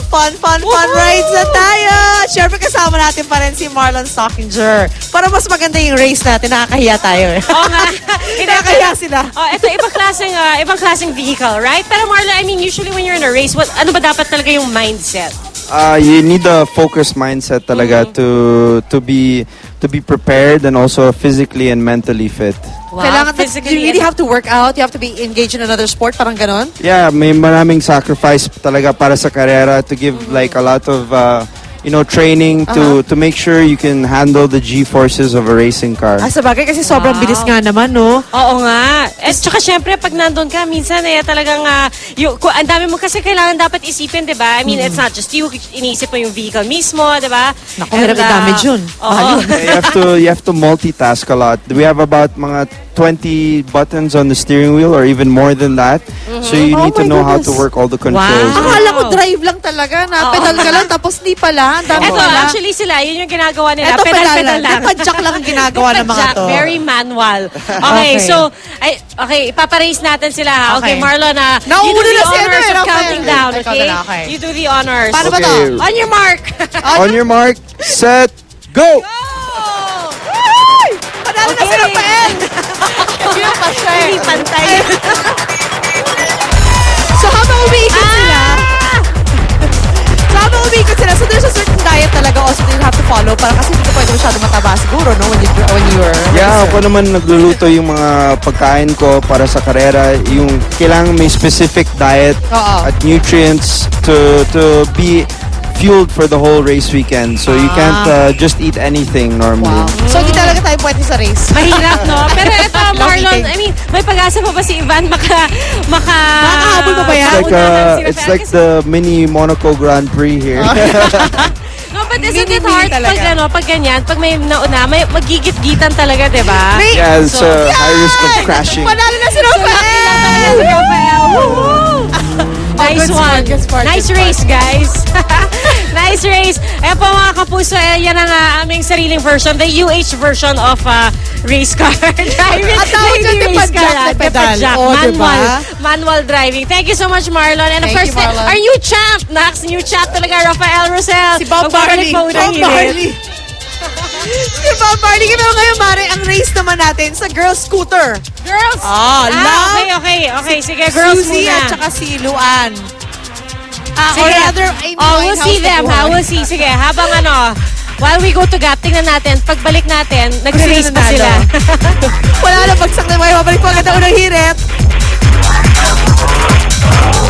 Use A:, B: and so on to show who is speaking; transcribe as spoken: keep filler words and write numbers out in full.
A: fun, fun, fun rides na tayo! Siyempre kasama natin pa rin si Marlon Stockinger. Para mas maganda yung race natin, nakakahiya tayo eh.
B: Oo nga.
A: Nakakahiya sila.
B: Oh, ito, ibang klaseng, uh, ibang klaseng vehicle, right? Pero Marlon, I mean, usually when you're in a race, what, ano ba dapat talaga yung mindset?
C: Uh, you need a focused mindset talaga to to be to be prepared and also physically and mentally fit.
B: Wow,
A: Kailangan,
B: physically
A: you really
B: and-
A: have to work out, you have to be engaged in another sport, parang ganon?
C: Yeah, may maraming sacrifice talaga para sa karera to give like a lot of uh, you know training to to make sure you can handle the G-forces of a racing car.
A: Ah, sabagay kasi sobrang
B: Wow.
A: bilis nga naman, no?
B: Oo nga. At saka syempre, pag nandun ka, minsan eh, talagang, uh, yung, ku- ang dami mo kasi kailangan dapat isipin, di ba? I mean, it's not just you, iniisip mo yung vehicle mismo, di ba?
A: Naku, hirap
B: And, uh,
A: i-damage yun.
B: Oo.
A: Mahal yun.
C: you have to you have to multitask a lot. We have about mga twenty buttons on the steering wheel or even more than that. So you
A: Oh
C: need to
A: my
C: know how to
A: goodness.
C: work all the controls.
B: Wow.
A: Akala ko drive lang talaga, na pedal ka lang, tapos di pala. Ang dami
B: Eto,
A: pala.
B: actually sila, yun yung ginagawa nila.
A: Eto,
B: Pedal-pedal lang.
A: Nagpa-jack lang ang ginagawa ng mga
B: Jack,
A: to.
B: very manual. Okay,
A: Okay.
B: so, ay, okay, ipaparace natin sila. ha? Okay,
A: Okay.
B: Marlon, uh, you do
A: Nauna
B: the
A: na si ano
B: honors
A: eh,
B: of
A: Rafael.
B: counting down,
A: Ikaw
B: okay?
A: na lang, okay.
B: You do the honors.
A: Paano ba to?
C: Okay.
B: On your mark.
C: On your mark, set, go!
A: Ay! Panalo na si
B: Okay.
A: Rafael! Kasi yung pa siya eh.
B: Hindi pantay.
A: So habang umiikot sila,
B: Ah!
A: so habang umiikot sila, so there's a certain diet talaga also that you have to follow para kasi hindi ka pwede masyado mataba siguro, no? When, you, when you're a
C: Yeah,
A: racer.
C: ako naman nagluluto yung mga pagkain ko para sa karera. Yung kailangan may specific diet
A: Oo.
C: at nutrients to to be fueled for the whole race weekend. So you can't uh, just eat anything normally.
A: Wow. So hindi talaga tayo pwede sa race.
B: Mahirap, no? Pero ito, Marlon,
A: eating.
B: I mean, may pag-asa pa ba si Ivan maka... maka
A: Nakakahabol pa ba yan?
C: It's like
B: maunahan
C: uh,
B: si
C: it's
B: Rafael?
C: like
B: Kasi-
C: the mini Monaco Grand Prix here.
B: No, but isn't it
A: Mini-mini
B: hard
A: talaga.
B: pag ano, pag ganyan, pag may nauna, may magigit-gitan talaga, di ba?
A: May-
C: Yeah, it's
B: So-
C: uh, high risk of crashing.
A: Panalo na si Rafael!
B: Si Rafael. Woo! Nice
A: good
B: one.
A: sport, good sport,
B: Nice
A: good
B: race, guys. Nice race. Ayan po mga kapuso, eh, yan ang uh, aming sariling version, the U H version of uh, race car driving.
A: At tawag dyan,
B: Hindi race
A: depa-jack
B: car,
A: na
B: ah,
A: pedal.
B: depa-jack.
A: Oh,
B: manual,
A: diba?
B: manual driving. Thank you so much, Marlon. And of
A: Thank
B: course,
A: you, Marlon.
B: our new champ, Nax, new champ talaga, Rafael Rosel.
A: Si Bob
B: Magbabalik
A: Marley.
B: pa unang
A: Bob
B: hirit.
A: Marley. Si Bob Marley. Pero ngayon, Mare, ang race naman natin sa girls scooter.
B: Girls!
A: Ah, love.
B: okay, okay, okay. Sige, girls
A: Suzy
B: muna.
A: at saka si Luan. Ah, or
B: Sige.
A: rather, Amy
B: Oh, we'll
A: Winehouse
B: see them,
A: na
B: ha?
A: buhay.
B: We'll see. Sige, habang ano, while we go to Gap, tingnan natin, pagbalik natin, nag-race
A: Sino
B: pa
A: nanalo?
B: sila.
A: Wala na, bagsak na may mabalik pa agad ang unang hirit.